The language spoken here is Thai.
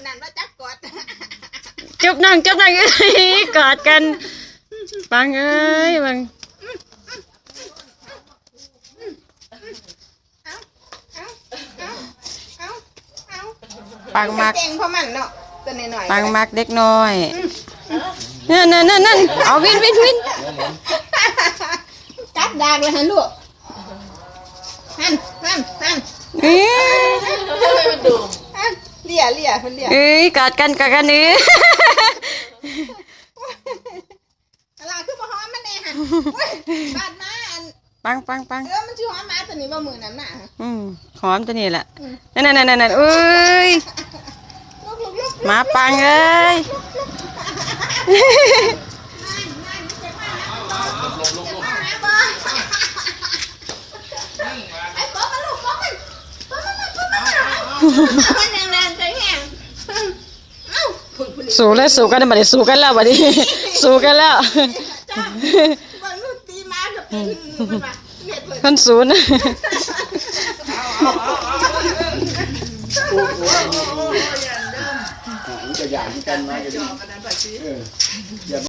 นั่นว่าจักกอดจุบนั่งกอดกันปังเอ้ยปังปังมักเพราะมันเนาะตัวน้อยปังมักเด็กน้อยนั่นเอาวินกัดดากเลยฮะลูกฮันเลี่ยคนเลี่ยกอดกันอะไรคือบ่ฮ้อมมันแน่ฮะบาดมาปังมันชื่อฮ้อมมาตัวนี้บ่มือนั้นน่ะหอมตัวนี้แหละนั่นเอ้ยมาปังเอ้ยสู้กันมาดิสู้กันแล้วบัดนี้สู้กันแล้วคนศูนย์จะอย่างกันมา